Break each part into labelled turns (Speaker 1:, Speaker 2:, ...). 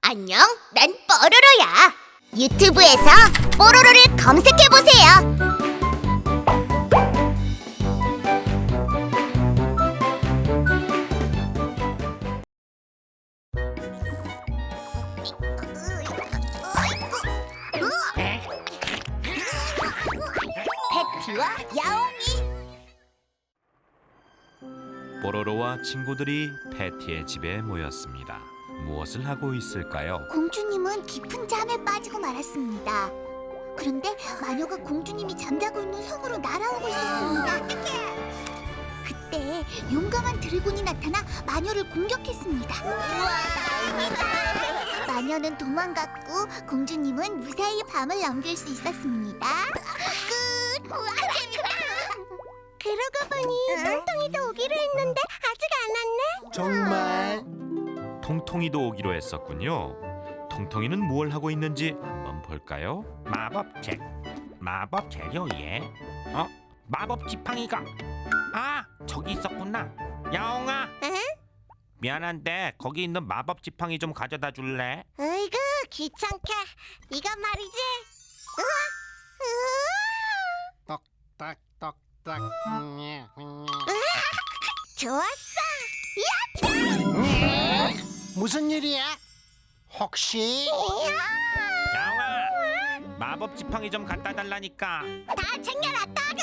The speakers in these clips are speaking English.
Speaker 1: 안녕, 난 뽀로로야. 유튜브에서 뽀로로를 검색해보세요. 패티와 야옹이.
Speaker 2: 뽀로로와 친구들이 패티의 집에 모였습니다. 무엇을 하고 있을까요?
Speaker 1: 공주님은 깊은 잠에 빠지고 말았습니다. 그런데 마녀가 공주님이 잠자고 있는 성으로 날아오고 있었습니다. 그때 용감한 드래곤이 나타나 마녀를 공격했습니다. 마녀는 도망갔고 공주님은 무사히 밤을 넘길 수 있었습니다. 끝! 그러고 보니 똥똥이도 오기로 했는데 아직 안 왔네?
Speaker 3: 정말?
Speaker 2: 통통이도 오기로 했었군요. 통통이는 뭘 하고 있는지 한번 볼까요?
Speaker 4: 마법 재료에 마법 지팡이가 저기 있었구나. 야옹아, 미안한데 거기 있는 마법 지팡이 좀 가져다 줄래?
Speaker 1: 어이구 귀찮게. 이건 말이지.
Speaker 3: 똑딱똑딱.
Speaker 1: 좋았어.
Speaker 3: 무슨 일이야? 혹시
Speaker 4: 야옹아, 마법 지팡이 좀 갖다 달라니까.
Speaker 1: 다 챙겨놨다구.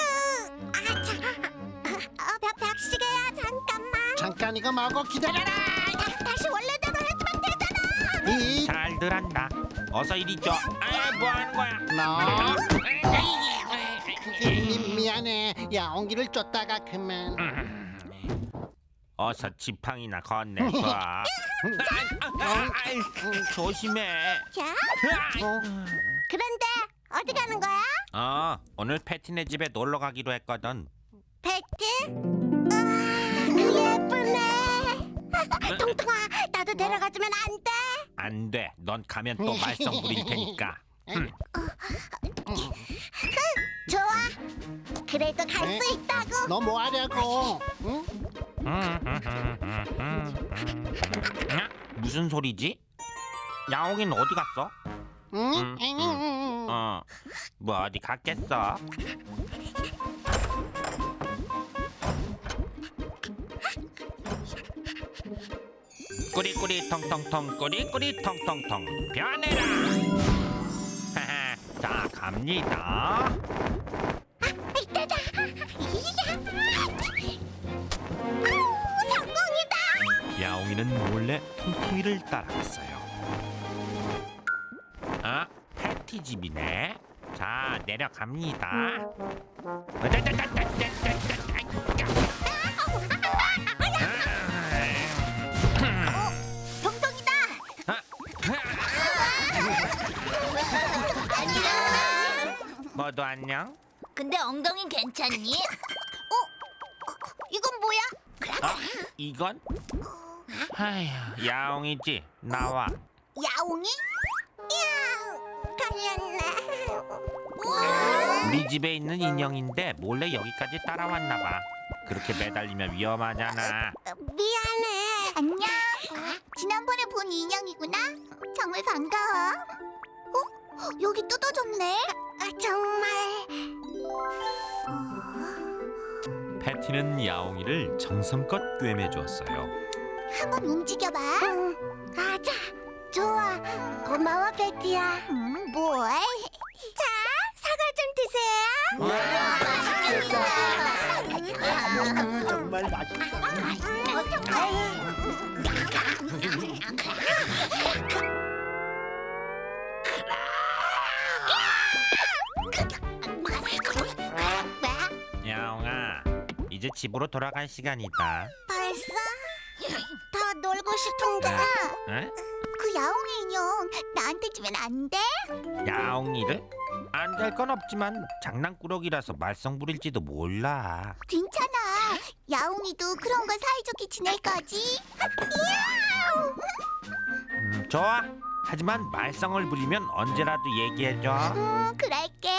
Speaker 1: 벽시계야 잠깐만.
Speaker 3: 잠깐 이거 말고 기다려라.
Speaker 1: 다시 원래대로 해주면 되잖아.
Speaker 3: 이
Speaker 4: 잘들 한다. 어서 이리 줘. 뭐 하는 거야?
Speaker 3: 너 미안해. 야옹기를 쫓다가 그만.
Speaker 4: 어서 지팡이나 건네봐. 조심해.
Speaker 1: 자,
Speaker 3: 어?
Speaker 1: 그런데 어디 가는 거야?
Speaker 4: 오늘 패티네 집에 놀러 가기로 했거든.
Speaker 1: 패티? 예쁘네. 통통아, 나도 데려가주면 안 돼?
Speaker 4: 안 돼. 넌 가면 또 말썽 부릴 테니까.
Speaker 1: 좋아. 그래도 갈 수 있다고.
Speaker 3: 너 뭐 하려고? 응?
Speaker 4: 무슨 소리지? 야옹이는 어디 갔어?
Speaker 3: 응?
Speaker 4: 뭐 어디 갔겠어? 꾸리꾸리 텅텅텅 꾸리꾸리 텅텅텅 변해라. 자, 갑니다.
Speaker 1: 이때다. 성공이다.
Speaker 2: 야옹이는 몰래 통통이를 따라갔어요.
Speaker 4: 패티 집이네. 자, 내려갑니다.
Speaker 1: 통통이다.
Speaker 4: 모두 안녕.
Speaker 1: 근데 엉덩이 괜찮니? 이건 뭐야?
Speaker 4: 이건? 아휴, 야옹이지. 나와.
Speaker 1: 야옹이? 걸렸네.
Speaker 4: 우리 집에 있는 인형인데 몰래 여기까지 따라왔나 봐. 그렇게 매달리면 위험하잖아.
Speaker 1: 미안해. 안녕. 지난번에 본 인형이구나. 정말 반가워. 여기 뜯어졌네. 정말.
Speaker 2: 패티는 야옹이를 정성껏 꿰매 주었어요.
Speaker 1: 한번 움직여봐. 가자. 좋아. 고마워, 베티야. 뭘? 자, 사과 좀 드세요.
Speaker 3: 정말 맛있어.
Speaker 4: 야옹아, 이제 집으로 돌아갈 시간이다.
Speaker 1: 벌써? 더 놀고 싶은데.
Speaker 4: 응?
Speaker 1: 그 야옹이 인형 나한테 주면 안 돼?
Speaker 4: 야옹이를? 안 될 건 없지만 장난꾸러기라서 말썽 부릴지도 몰라.
Speaker 1: 괜찮아. 야옹이도 그런 거 사이좋게 지낼 거지?
Speaker 4: 좋아. 하지만 말썽을 부리면 언제라도 얘기해줘.
Speaker 1: 그럴게.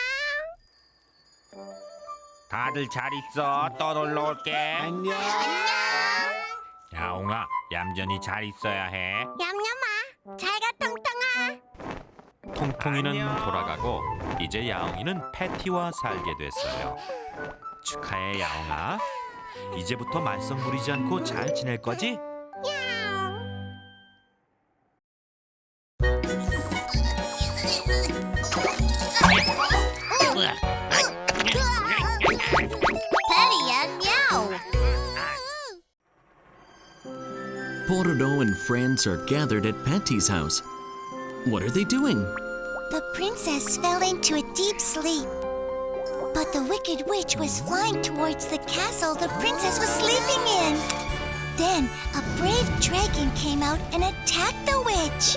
Speaker 4: 다들 잘 있어. 또 놀러 올게.
Speaker 3: 안녕.
Speaker 4: 야옹아, 얌전히 잘 있어야 해.
Speaker 1: 얌얌아, 잘
Speaker 3: 통통아.
Speaker 2: 통통이는
Speaker 4: 안녕.
Speaker 2: 돌아가고 이제 야옹이는 패티와 살게 됐어요. 축하해 야옹아. 이제부터 말썽 부리지 않고 잘 지낼 거지?
Speaker 1: Patty and Meow.
Speaker 5: Pororo and friends are gathered at Patty's house. What are they doing?
Speaker 1: The princess fell into a deep sleep. But the Wicked Witch was flying towards the castle the princess was sleeping in. Then a brave dragon came out and attacked the witch.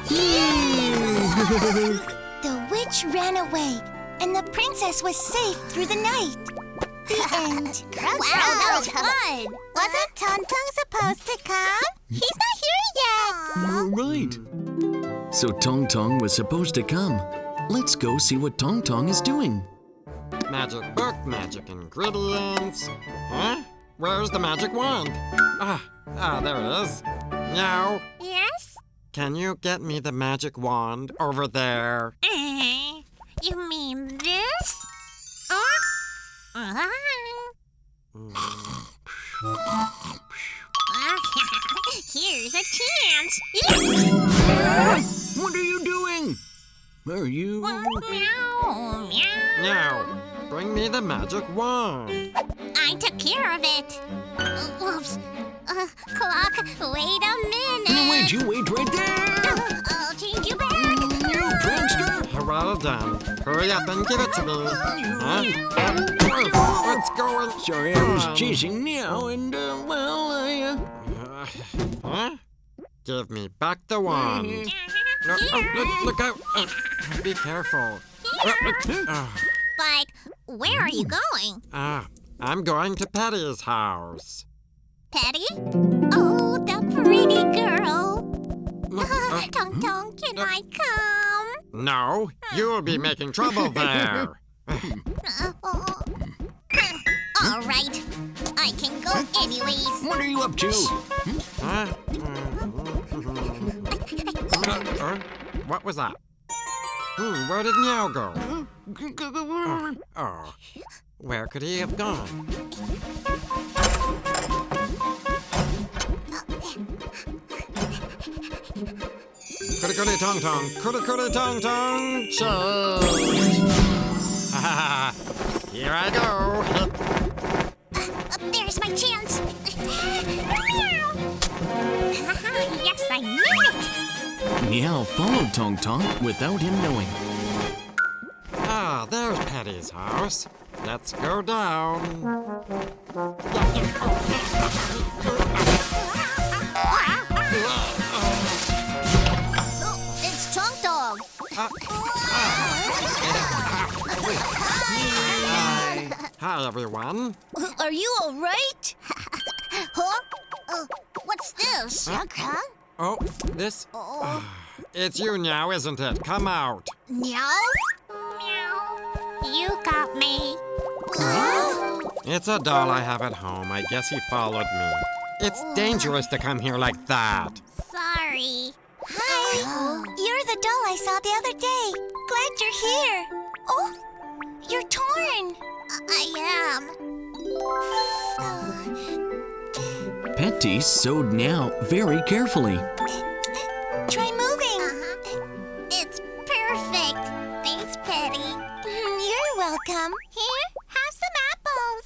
Speaker 1: The witch ran away, and the princess was safe through the night. The end. Wow, that was fun. Wasn't Tonton supposed to come? He's not here yet.
Speaker 5: You're right. So Tong Tong was supposed to come. Let's go see what Tong Tong is doing.
Speaker 3: Magic book, magic ingredients. Huh? Where's the magic wand? There it is. Meow.
Speaker 6: Yes?
Speaker 3: Can you get me the magic wand over there?
Speaker 6: You mean this? Here's a chance.
Speaker 5: What are you doing? Are you...
Speaker 6: Meow, meow.
Speaker 3: Meow. Bring me the magic wand.
Speaker 6: I took care of it. Oops. Clock, wait a minute.
Speaker 5: You wait right there!
Speaker 6: I'll change you back.
Speaker 5: You prankster!
Speaker 3: Well done. Hurry up and give it to me. Huh? What's going
Speaker 5: Sorry, I was chasing Meow and,
Speaker 3: Huh? Give me back the wand. No, look out. Be careful.
Speaker 6: But where are you going?
Speaker 3: I'm going to Patty's house.
Speaker 6: Patty? Oh, the pretty girl. Tong Tong, can I come?
Speaker 3: No, you'll be making trouble there.
Speaker 6: All right. I can go anyways.
Speaker 5: what are you up to?
Speaker 3: Huh? What was that? Where did Meow go? Where could he have gone? Cootie tong tong, cootie tong tong, change. Here I go.
Speaker 6: There's my chance. Yes, I knew it.
Speaker 5: Meow followed Tong Tong without him knowing.
Speaker 3: There's Patty's house. Let's go down.
Speaker 1: It's Tong Tong.
Speaker 3: Hi, everyone.
Speaker 1: Are you all right? Huh? What's this?
Speaker 3: Oh, this... It's you now, isn't it? Come out.
Speaker 1: Meow?
Speaker 6: Meow. You got me.
Speaker 3: It's a doll I have at home. I guess he followed me. It's dangerous to come here like that.
Speaker 6: Sorry.
Speaker 1: Hi. You're the doll I saw the other day. Glad you're here. Oh, you're torn.
Speaker 6: I am.
Speaker 5: Patty sewed Meow very carefully.
Speaker 1: Try moving.
Speaker 6: It's perfect. Thanks, Patty.
Speaker 1: You're welcome.
Speaker 6: Here, have some apples.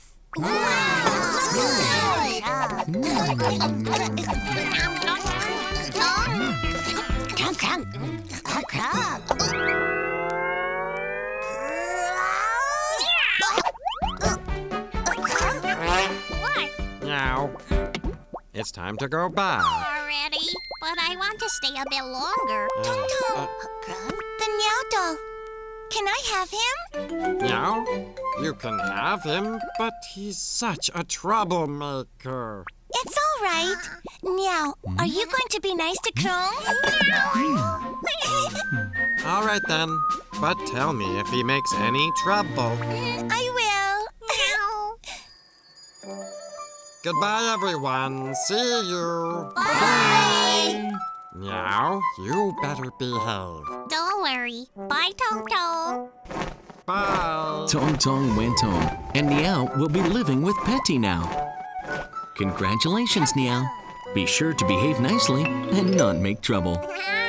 Speaker 6: What?
Speaker 3: Meow. It's time to go back.
Speaker 6: Already? But I want to stay a bit longer.
Speaker 1: The Meow doll. Can I have him?
Speaker 3: Meow? You can have him, but he's such a troublemaker.
Speaker 1: It's all right. Meow, are you going to be nice to Krong?
Speaker 3: All right then. But tell me if he makes any trouble.
Speaker 1: I will.
Speaker 3: Goodbye, everyone. See you.
Speaker 1: Bye.
Speaker 3: Meow, you better behave.
Speaker 6: Don't worry. Bye, Tong Tong.
Speaker 3: Bye.
Speaker 5: Tong Tong went home, and Niao will be living with Petty now. Congratulations, Niao. Be sure to behave nicely and not make trouble.